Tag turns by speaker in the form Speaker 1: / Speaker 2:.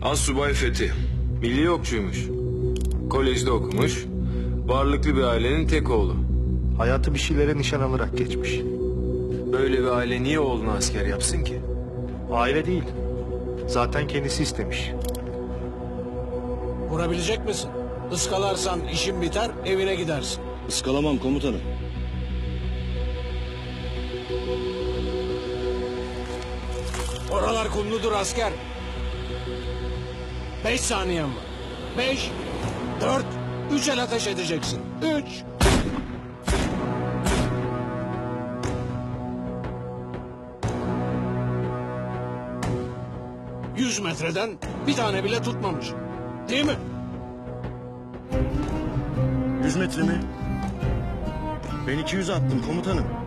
Speaker 1: Assubay Fethi. Milli okçuymuş. Kolejde okumuş. Varlıklı bir ailenin tek oğlu.
Speaker 2: Hayatı bir şeylere nişan alarak geçmiş.
Speaker 1: Böyle bir aile niye oğlunu asker yapsın ki?
Speaker 2: Aile değil. Zaten kendisi istemiş.
Speaker 3: Vurabilecek misin? Iskalarsan işin biter, evine gidersin.
Speaker 4: Iskalamam komutanım.
Speaker 3: Oralar kumludur asker. 5 saniyen var. 5, 4, 3 el ateş edeceksin. 3. Yüz metreden bir tane bile tutmamış. Değil mi?
Speaker 4: 100 metre mi? Ben 200 attım komutanım.